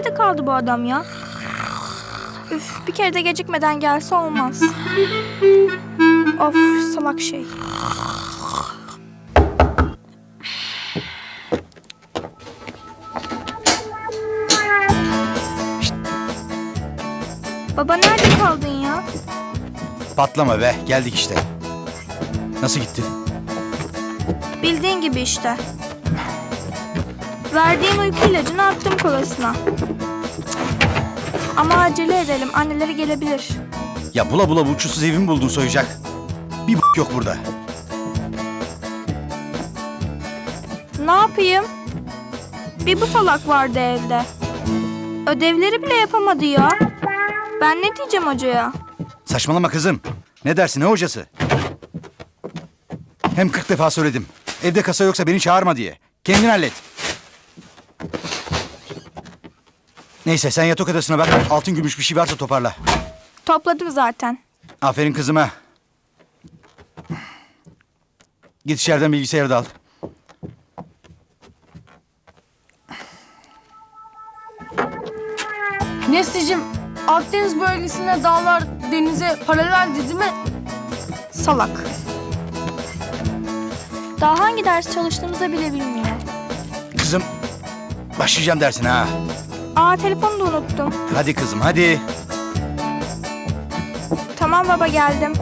nerede kaldı bu adam ya? Üf, bir kere de gecikmeden gelse olmaz. Of, salak şey. Şşt. Baba nerede kaldın ya? Patlama be, geldik işte. Nasıl gitti? Bildiğin gibi işte. Verdiğin uyku ilacını attım kolasına. Ama acele edelim, anneleri gelebilir. Ya bula bula bu uçsuz evimi buldun soyacak. Bir yok burada. Ne yapayım? Bir bu salak vardı evde. Ödevleri bile yapamadı ya. Ben ne diyeceğim hocaya? Saçmalama kızım. Ne dersin, ne hocası? Hem 40 defa söyledim. Evde kasa yoksa beni çağırma diye. Kendin hallet. Neyse sen yatak odasına bak. Altın gümüş bir şey varsa toparla. Topladım zaten. Aferin kızıma. Git içeriden bilgisayarı da al. Nesli'cim, Akdeniz bölgesinde dağlar denize paraleldi değil mi? Salak. Daha hangi ders çalıştığımızı bile bilmiyor. Kızım başlayacağım dersine ha. Aa, telefonu da unuttum. Hadi kızım hadi. Tamam baba, geldim.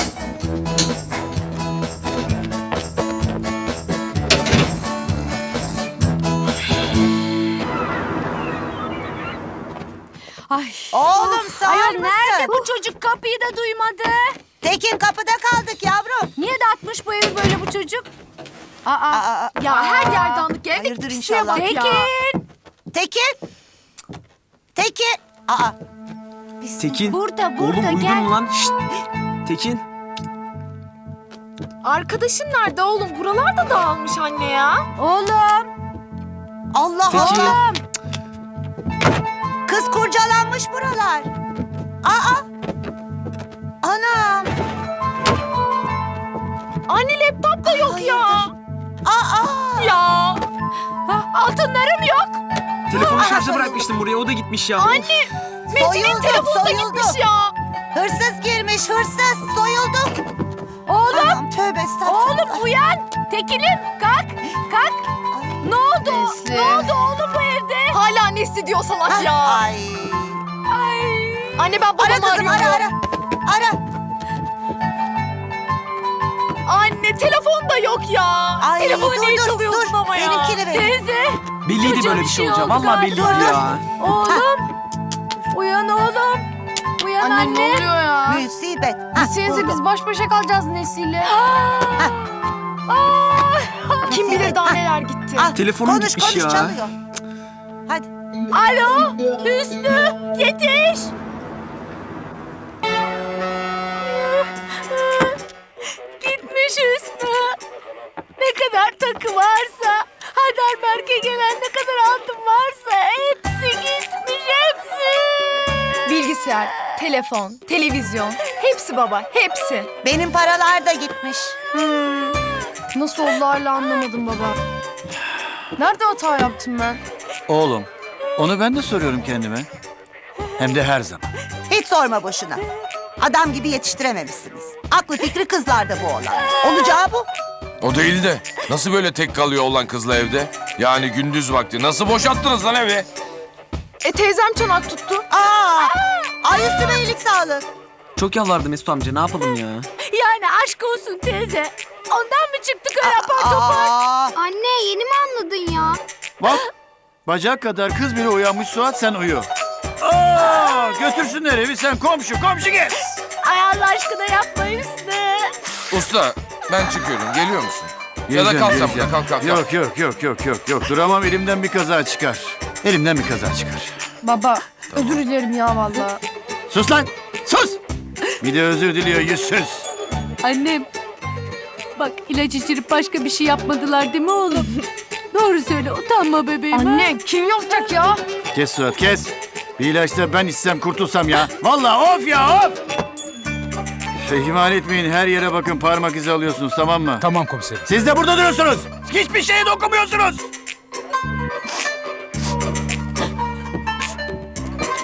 Ay. Oğlum sağır Ayol mısın? nerede bu çocuk? Kapıyı da duymadı. Tekin kapıda kaldık yavrum. Niye dağıtmış bu evi böyle bu çocuk? Ya her yer dağınık. Evde Hayırdır pisliğe inşallah. bak ya. Tekin. Tekin. Aa. Tekin. Burada Oğlum uyudun gel. mu lan? Şşt. Tekin. Arkadaşın nerede oğlum? Buralarda dağılmış anne ya. Oğlum. Allah Tekin. Allah. Kız kurcalanmış buralar. Aa. Anam. Anne laptop da yok ya. Aa. Ya. Altınlarım yok. Telefonu şarja bırakmıştım buraya. O da gitmiş ya. Anne. Metin'in Soyuldu, telefonu da soyuldu. gitmiş ya. Hırsız girmiş, hırsız. Soyuldu. Oğlum. Anam tövbe estağfurullah. Oğlum uyan. Tekin'im kalk. Kalk. Ne oldu? Nesli. Ne oldu oğlum bu evde? Hala Nesli diyor salak Ah, ya. Ay. Ay. Anne ben babamı Ara kızım arıyorum. ara. Anne telefon da yok ya. Ay, Telefonu dur, niye dur, çalıyorsun dur. ama ya? Benimkini ver. Teyze. Belliydi Çocuğa böyle bir bir şey şey olacağı. oldu Vallahi galiba. belliydi ya. Oğlum. Uyan oğlum. Uyan anne. Ne oluyor ya? Musibet. Ha, Gitsenize buldum. biz baş başa kalacağız Nesil'le. Kim bilir daha neler gitti. Ah, Telefonum konuş, gitmiş konuş, ya. çalıyor. Hadi. Alo Hüsnü yetiş. Gitmiş Hüsnü. Ne kadar takı varsa, Heidelberg'e gelen ne kadar altın varsa hepsi gitmiş, hepsi. Bilgisayar, telefon, televizyon, hepsi baba, hepsi. Benim paralar da gitmiş. Nasıl oldu hala anlamadım baba. Nerede hata yaptım ben? Oğlum, onu ben de soruyorum kendime. Hem de her zaman. Hiç sorma boşuna. Adam gibi yetiştirememişsiniz. Aklı fikri kızlarda bu olan. Olacağı bu. O değil de nasıl böyle tek kalıyor olan kızla evde? Yani gündüz vakti nasıl boşalttınız lan evi? Teyzem çanak tuttu. Aa! Ay üstüme iyilik sağlık. Çok yalvardı Mesut amca. Ne yapalım ya? Yani aşk olsun teyze. Ondan mı çıktık öyle apar topar? Aa! Anne yeni mi anladın ya? Bak, bacak kadar kız bile uyanmış Suat, sen uyu. Aa, götürsünler evi, sen komşu gel. Ay Allah aşkına yapma Hüsnü. Usta ben çıkıyorum geliyor musun? Ya da Geleceğim, kalk sen geleceğim. burada kalk. Yok. Duramam, elimden bir kaza çıkar. Elimden bir kaza çıkar. Baba özür dilerim ya vallahi. Sus lan, sus! Bir de özür diliyor, yüzsüz. Annem, bak ilaç içirip başka bir şey yapmadılar değil mi oğlum? Doğru söyle, utanma bebeğim. ha? Anne kim yapacak ya? Kes Suat, kes. Bir ilaçta ben içsem kurtulsam ya. Vallahi of ya, of! İhmal etmeyin, her yere bakın, parmak izi alıyorsunuz, tamam mı? Tamam komiserim. Siz de burada duruyorsunuz. Hiçbir şeye dokunmuyorsunuz.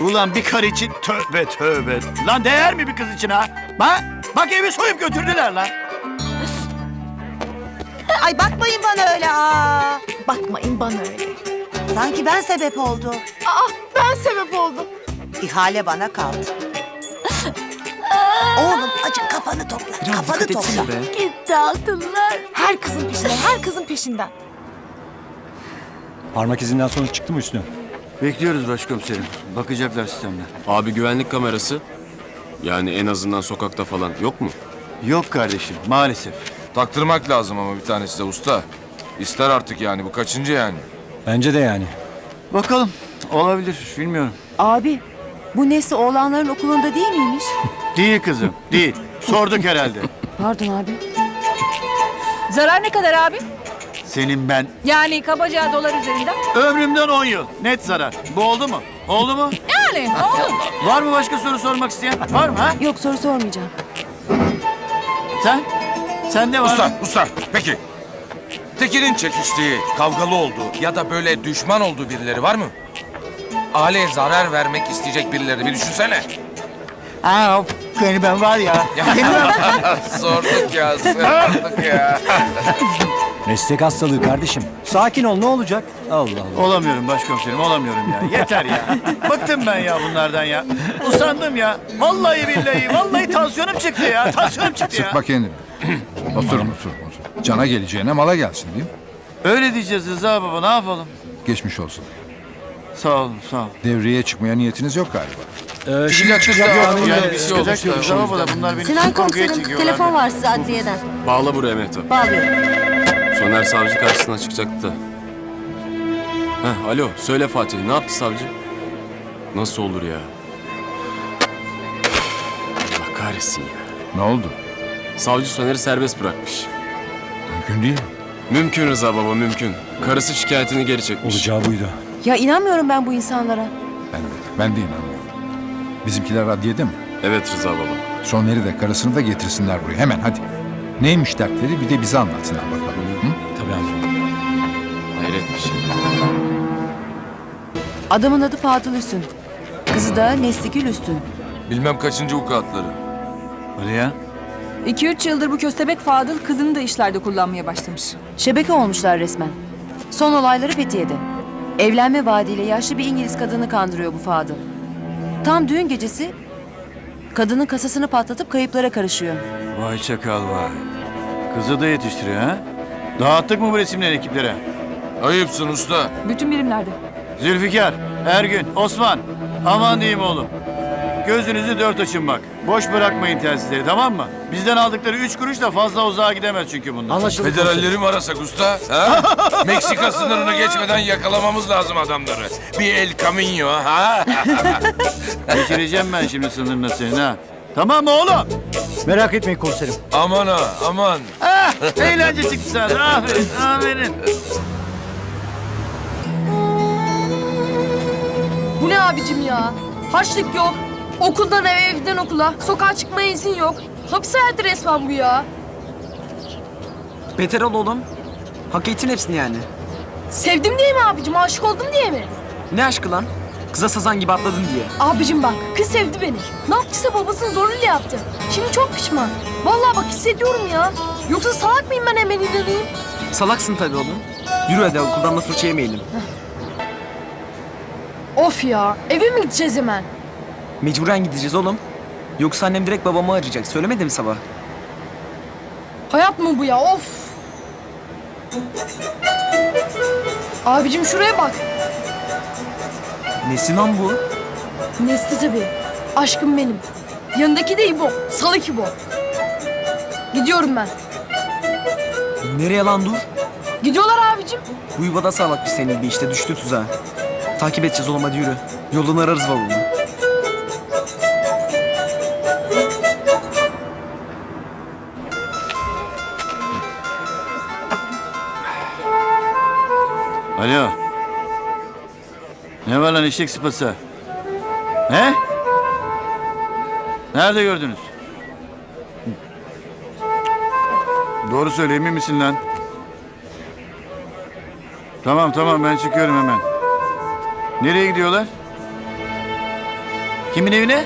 Ulan bir karı için tövbe tövbe. Lan değer mi bir kız için ha? Ha? Bak evi soyup götürdüler lan. Ay bakmayın bana öyle. Aa. Bakmayın bana öyle. Sanki ben sebep oldum. Ben sebep oldum. İhale bana kaldı. Oğlum acık kafanı topla. Biraz Kafanı dikkat topla. etsene be. Gitti altınlar. Her kızın peşinden, her kızın peşinden. Parmak izinden sonuç çıktı mı Hüsnü? Bekliyoruz başkomiserim. Bakacaklar sistemden. Abi güvenlik kamerası. Yani en azından sokakta falan yok mu? Yok kardeşim maalesef. Taktırmak lazım ama bir tanesi de usta. İster artık yani bu kaçıncı yani? Bence de yani. Bakalım olabilir bilmiyorum. Abi bu Nesli oğlanların okulunda değil miymiş? Değil kızım değil. Sorduk herhalde. Pardon abi. Zarar ne kadar abi? Senin ben Yani kabaca dolar üzerinden. ömrümden 10 yıl. Net zarar. Bu oldu mu? Oldu mu? Yani oldu. Var mı başka soru sormak isteyen? Var mı ha? Yok soru sormayacağım. Sen? Sende var mı? Usta peki. Tekin'in çekiştiği, kavgalı olduğu ya da böyle düşman olduğu birileri var mı? Aileye zarar vermek isteyecek birileri bir düşünsene. Aa, beni ben var ya. Sorduk ya. Meslek hastalığı kardeşim. Sakin ol ne olacak? Allah Allah. Olamıyorum başkomiserim olamıyorum ya. Yeter ya. Bıktım ben ya bunlardan ya. Usandım ya. Vallahi billahi. Vallahi tansiyonum çıktı ya. Tansiyonum çıktı ya. Sıkma kendini. Otur. Cana geleceğine mala gelsin değil mi? Öyle diyeceğiz Rıza baba ne yapalım? Geçmiş olsun. Sağ olun sağ olun. Devreye çıkmaya niyetiniz yok galiba. Çıkacak Yani bir şey olacak diyor Rıza baba da bunlar beni Sinan korkuya komiserim çekiyorlar. telefon var size adliyeden. Bağla buraya Mehtap. Bağlıyorum. Soner savcı karşısına çıkacaktı da. Alo söyle Fatih ne yaptı savcı? Nasıl olur ya? Allah kahretsin ya. Ne oldu? Savcı Soner'i serbest bırakmış. Mümkün değil. Mümkün Rıza baba mümkün. Karısı şikayetini geri çekmiş. Olacağı buydu. Ya inanmıyorum ben bu insanlara. Ben de inanmıyorum. Bizimkiler adliyede mi? Evet Rıza baba. Soner'i de karısını da getirsinler buraya. Hemen hadi. Neymiş dertleri bir de bize anlatsınlar bakalım. Hı? Tabii amca. Hayret bir şey. Adamın adı Fadıl Üstün. Kızı da Nesligül Üstün. Bilmem kaçıncı vukuatları. Hadi ya. 2-3 yıldır bu köstebek Fadıl kızını da işlerde kullanmaya başlamış. Şebeke olmuşlar resmen. Son olayları Fethiye'de. Evlenme vaadiyle yaşlı bir İngiliz kadını kandırıyor bu Fadıl. Tam düğün gecesi kadının kasasını patlatıp kayıplara karışıyor. Vay çakal vay. Kızı da yetiştiriyor ha? Dağıttık mı bu resimleri ekiplere? Ayıpsın usta. Bütün birimlerde. Zülfikar, Ergün, Osman. Aman diyeyim oğlum. Gözünüzü dört açın bak. Boş bırakmayın telsizleri tamam mı? Bizden aldıkları 3 kuruş da fazla uzağa gidemez çünkü bunlar. Anlaşıldı. Federalleri mi arasak usta? Ha? Meksika sınırını geçmeden yakalamamız lazım adamları. Bir El Camino ha? Geçireceğim ben şimdi sınırına senin ha. Tamam mı oğlum? Merak etmeyin komiserim. Aman ha aman. Eğlence çıktı sana. Aferin, aferin. Bu ne abicim ya? Harçlık yok. Okuldan eve, evden okula. Sokağa çıkmaya izin yok. Hapis hayatı resmen bu ya. Beter ol oğlum. Hak ettin hepsini yani. Sevdim diye mi abicim? Aşık oldum diye mi? Ne aşkı lan? Kıza sazan gibi atladın diye. Abicim bak, kız sevdi beni. Ne yaptıysa babasının zoruyla yaptı. Şimdi çok pişman. Vallahi bak hissediyorum ya. Yoksa salak mıyım ben hemen inanayım? Salaksın tabii oğlum. Yürü hadi okuldan da fırça yemeyelim. Of ya, eve mi gideceğiz hemen? Mecburen gideceğiz oğlum. Yoksa annem direkt babamı arayacak. Söylemedi mi sabah? Hayat mı bu ya, of. Abicim şuraya bak. Nesi lan bu? Nesli tabii. Aşkım benim. Yanındaki de İbo. Salak İbo. Gidiyorum ben. Nereye lan dur? Gidiyorlar abicim. Bu yuvada salak bir senin bir işte düştü tuzağa. Takip edeceğiz oğlum hadi yürü. Yolunu ararız babamı. Alo. Ne var lan eşek sıpası? He? Nerede gördünüz? Doğru söyle emin misin lan? Tamam ben çıkıyorum hemen. Nereye gidiyorlar? Kimin evine?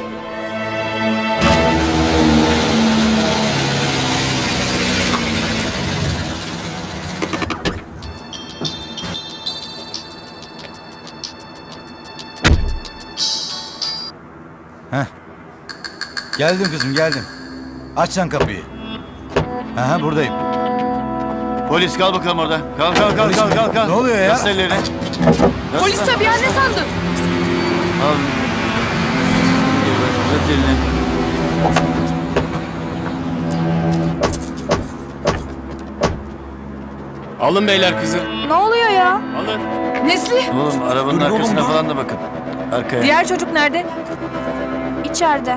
Geldim kızım geldim. Aç sen kapıyı. Aha buradayım. Polis kal bakalım orada. Kal. Ne oluyor ya? Yasla ellerini. Polis tabii ya, ne sandın? Al. Uzat elini. Alın beyler kızı. Ne oluyor ya? Alın. Nesli? Oğlum arabanın arkasına falan da bakın. Arkaya. Diğer çocuk nerede? İçeride.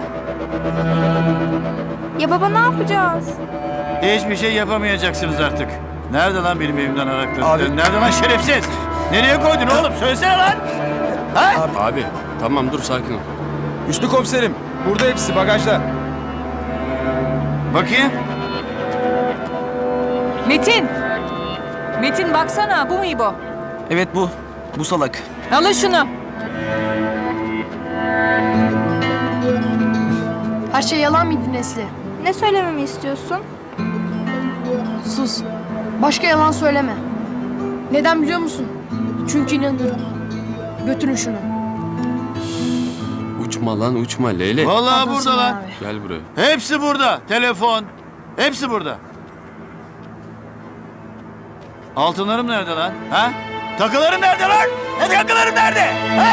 Ya baba ne yapacağız? Hiçbir şey yapamayacaksınız artık. Nerede lan benim evimden arakladın? Abi. Nerede lan şerefsiz? Nereye koydun oğlum? Söylesene lan. Ha? Abi tamam dur sakin ol. Üstü komiserim. Burada hepsi bagajda. Bakayım. Metin! Metin baksana, bu mu İbo? Evet bu. Bu salak. Alın şunu. Her şey yalan mıydı Nesli? Ne söylememi istiyorsun? Sus. Başka yalan söyleme. Neden biliyor musun? Çünkü inanırım. Götürün şunu. Uçma lan uçma Leyla. Vallahi Pardon burada Sinan lan. abi. Gel buraya. Hepsi burada. Telefon. Hepsi burada. Altınlarım nerede lan? Ha? Takılarım nerede lan? Takılarım nerede? Ha?